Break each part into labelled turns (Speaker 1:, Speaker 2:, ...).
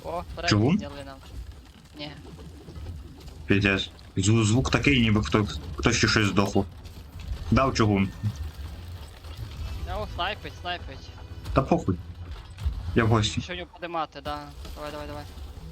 Speaker 1: О,
Speaker 2: Чого?
Speaker 1: передні зняли нам. Ні.
Speaker 2: Піздець. Звук такий, ніби хтось ще щось здохло. Дав чугун.
Speaker 1: О, снайпить.
Speaker 2: Та похуй. Я в гості.
Speaker 1: Що в нього подимати, да. Давай.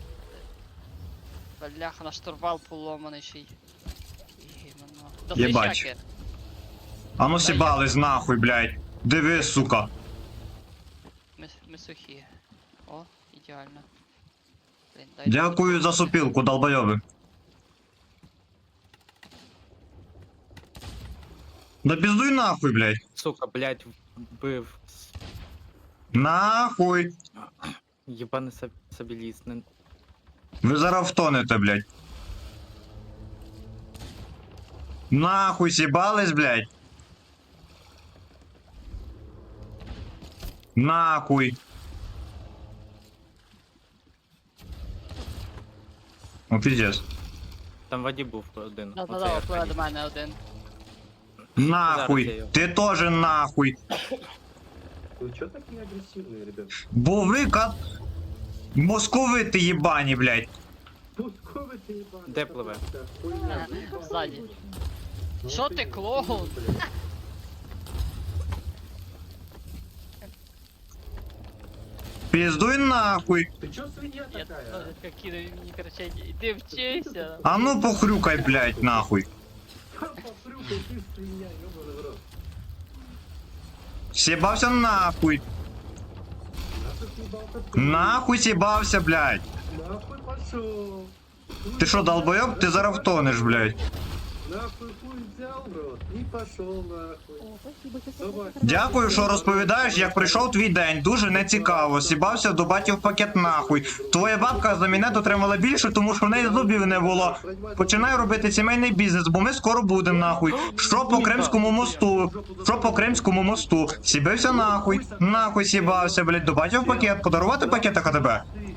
Speaker 1: Бляха, наш штурвал поломаний ще й. Іменно.
Speaker 2: Єбать.
Speaker 1: Досліщаки.
Speaker 2: А ну сібались нахуй, блядь. Диви, сука.
Speaker 1: Ми сухі. О, ідеально. Блін,
Speaker 2: Дякую за сопілку, долбойоби. Да пиздуй нахуй, блядь.
Speaker 3: Сука, блядь, вбив.
Speaker 2: Нахуй.
Speaker 3: Єбаний сабіліст.
Speaker 2: Ви зараз втонете, блядь. Нахуй сібались, блядь. Нахуй. О, пиздец.
Speaker 3: Там в воді був один.
Speaker 1: Да,
Speaker 3: Оцей
Speaker 1: впливає
Speaker 3: Аркадій.
Speaker 1: до мене один.
Speaker 2: Нахуй. Ти тоже нахуй.
Speaker 4: Вы чё такие агрессивные, ребят?
Speaker 2: Бо ви московити єбані, блядь.
Speaker 4: Пусковый ты ебаный.
Speaker 3: Де пливе?
Speaker 4: Хуйня.
Speaker 1: Ззаді. Що ти, клоун?
Speaker 2: Пиздуй нахуй.
Speaker 4: Ты чё свинья
Speaker 1: Я
Speaker 4: такая?
Speaker 1: які мені кричать, іди вчися.
Speaker 2: А ну похрюкай, блядь, нахуй.
Speaker 4: Попрюкай, ты свинья, ёбаный в рот.
Speaker 2: Сібався нахуй.
Speaker 4: А ты съебался ты?
Speaker 2: Нахуй сібався, блядь.
Speaker 4: Нахуй пошел.
Speaker 2: Ти що, долбойоб? Ти зараз втонеш, блядь.
Speaker 4: Нахуй хуй взял в рот и пошел нахуй. Давай.
Speaker 2: Дякую, що розповідаєш, як прийшов твій день. Дуже нецікаво. Сібався до батьків пакет нахуй. Твоя бабка за мене отримала більше, тому що в неї зубів не було. Починаю робити сімейний бізнес, бо ми скоро будемо нахуй. Що по Кримському мосту? Що по Кримському мосту? Сібився нахуй. Нахуй сібався, блядь, до батьків пакет. Подарувати пакет АКТБ?